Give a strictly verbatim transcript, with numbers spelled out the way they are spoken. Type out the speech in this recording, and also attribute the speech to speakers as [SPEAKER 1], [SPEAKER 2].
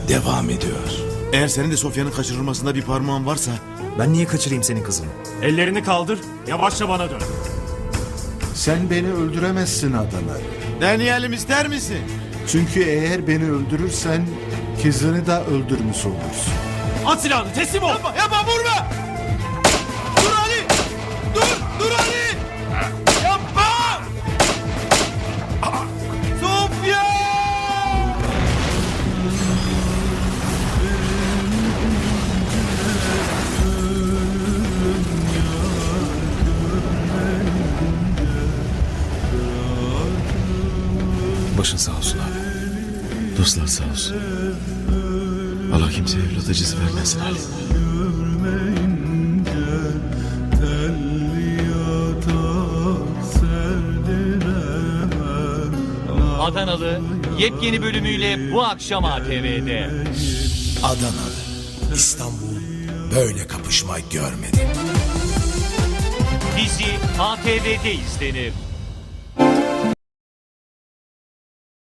[SPEAKER 1] devam ediyor.
[SPEAKER 2] Eğer senin de Sofya'nın kaçırılmasında bir parmağın varsa...
[SPEAKER 3] Ben niye kaçırayım senin kızını?
[SPEAKER 4] Ellerini kaldır, yavaşça bana dön.
[SPEAKER 5] Sen beni öldüremezsin Adana.
[SPEAKER 2] Deneyelim ister misin?
[SPEAKER 5] Çünkü eğer beni öldürürsen kızını da öldürmüş olursun.
[SPEAKER 4] At silahını, teslim ol.
[SPEAKER 2] Yapma, yapma vurma! Dur Ali! Dur, dur Ali! Yapma! Sofya!
[SPEAKER 1] Başın sağ olsun abi. Dostlar sağ olsun. Allah kimseye evlat acısı vermesin Ali.
[SPEAKER 6] Adanalı yepyeni bölümüyle bu akşam A T V'de.
[SPEAKER 1] Adanalı, İstanbul böyle kapışma görmedi.
[SPEAKER 6] Dizi A T V'de izlenir.